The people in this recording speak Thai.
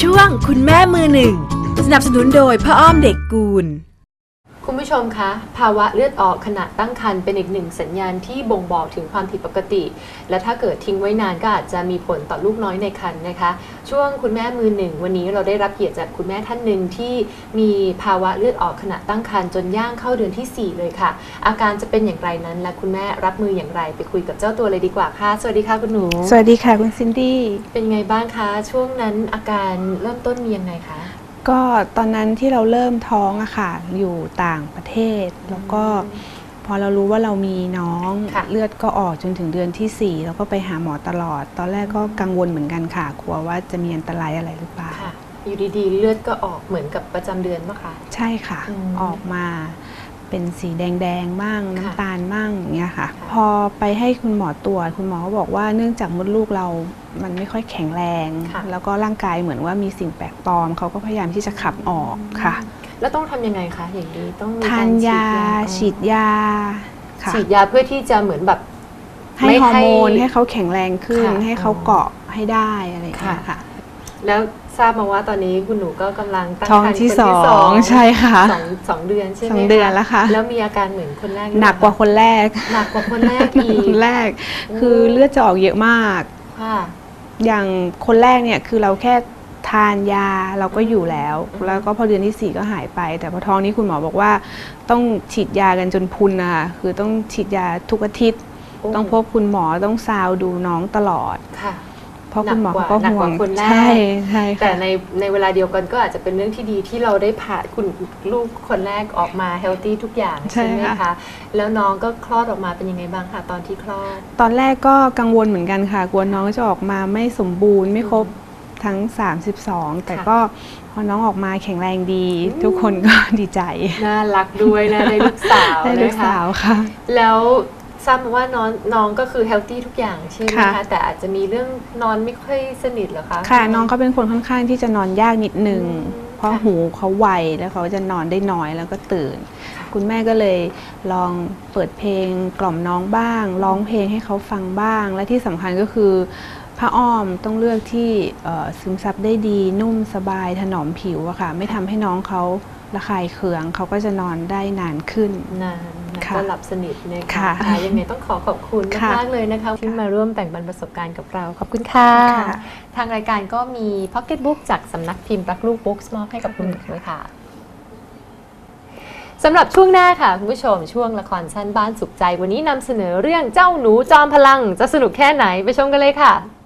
ช่วงคุณแม่มือหนึ่งสนับสนุนโดยพ่ออ้อมเด็กกูลคุณผู้ชมคะภาวะเลือดออกขณะตั้งครรภ์เป็นอีกหนึ่งสัญญาณที่บ่งบอกถึงความผิดปกติและถ้าเกิดทิ้งไว้นานก็อาจจะมีผลต่อลูกน้อยในครรภ์นะคะช่วงคุณแม่มือหนึ่งวันนี้เราได้รับเกียรติจากคุณแม่ท่านหนึ่งที่มีภาวะเลือดออกขณะตั้งครรภ์จนย่างเข้าเดือนที่4เลยค่ะอาการจะเป็นอย่างไรนั้นและคุณแม่รับมืออย่างไรไปคุยกับเจ้าตัวเลยดีกว่าค่ะสวัสดีค่ะคุณหนูสวัสดีค่ะคุณซินดี้เป็นไงบ้างคะช่วงนั้นอาการเริ่มต้นมียังไงคะก็ตอนนั้นที่เราเริ่มท้องอะค่ะอยู่ต่างประเทศแล้วก็พอเรารู้ว่าเรามีน้องเลือดก็ออกจนถึงเดือนที่4แล้วก็ไปหาหมอตลอดตอนแรกก็กังวลเหมือนกันค่ะกลัวว่าจะมีอันตรายอะไรหรือเปล่าอยู่ดีๆเลือดก็ออกเหมือนกับประจำเดือนป่ะคะใช่ค่ะออกมาเป็นสีแดงๆบ้างน้ำตาลบ้างอย่างเงี้ยค่ะพอไปให้คุณหมอตรวจคุณหมอก็บอกว่าเนื่องจากมดลูกเรามันไม่ค่อยแข็งแรงแล้วก็ร่างกายเหมือนว่ามีสิ่งแปลกปลอมเขาก็พยายามที่จะขับออกค่ะแล้วต้องทำยังไงคะอย่างนี้ต้องทานยาฉีดยาฉีดยาเพื่อที่จะเหมือนแบบให้ฮอร์โมนให้เขาแข็งแรงขึ้นให้เขาเกาะให้ได้อะไรอย่างเงี้ยค่ะแล้วทราบมาว่าตอนนี้คุณหนูก็กำลังตั้งครรภ์ที่2ใช่ค่ะ 2 เดือนใช่ไหม 2 เดือนแล้วค่ะแล้วมีอาการเหมือนคนแรกหนักกว่าคนแรกอีกคนแรกคือเลือดจะออกเยอะมากอย่างคนแรกเนี่ยคือเราแค่ทานยาเราก็อยู่แล้วแล้วก็พอเดือนที่4ก็หายไปแต่พอท้องนี้คุณหมอบอกว่าต้องฉีดยากันจนพุนนะคะคือต้องฉีดยาทุกอาทิตย์ต้องพบคุณหมอต้องซาวดูน้องตลอดเพราะคุณหมอก็ห่วงใช่แต่ในเวลาเดียวกันก็อาจจะเป็นเรื่องที่ดีที่เราได้ผ่าคุณลูกคนแรกออกมาเฮลตี้ทุกอย่างใช่ไหมคะแล้วน้องก็คลอดออกมาเป็นยังไงบ้างคะตอนที่คลอดตอนแรกก็กังวลเหมือนกันค่ะกลัวน้องจะออกมาไม่สมบูรณ์ไม่ครบทั้ง32แต่ก็พอน้องออกมาแข็งแรงดีทุกคนก็ดีใจน่ารักด้วยนะได้ลูกสาวได้ลูกสาวค่ะแล้วทราบมาว่าน้องก็คือเฮลตี้ทุกอย่างใช่ไหมคะแต่อาจจะมีเรื่องนอนไม่ค่อยสนิทเหรอคะค่ะน้องเขาเป็นคนค่อนข้างที่จะนอนยากนิดนึงเพราะหูเขาไวแล้วเขาจะนอนได้น้อยแล้วก็ตื่นคุณแม่ก็เลยลองเปิดเพลงกล่อมน้องบ้างร้องเพลงให้เขาฟังบ้างและที่สำคัญก็คือผ้าอ้อมต้องเลือกที่ซึมซับได้ดีนุ่มสบายถนอมผิวอะค่ะไม่ทำให้น้องเขาระคายเคืองเขาก็จะนอนได้นานขึ้นก็หลับสนิทนะคะยังไงต้องขอบคุณมากเลยนะคะที่มาร่วมแบ่งปันประสบการณ์กับเราขอบคุณค่ะทางรายการก็มีพ็อกเก็ตบุ๊กจากสำนักพิมพ์รักลูกบุ๊กมอบให้กับคุณด้วยค่ะสำหรับช่วงหน้าค่ะคุณผู้ชมช่วงละครสั้นบ้านสุขใจวันนี้นำเสนอเรื่องเจ้าหนูจอมพลังจะสนุกแค่ไหนไปชมกันเลยค่ะ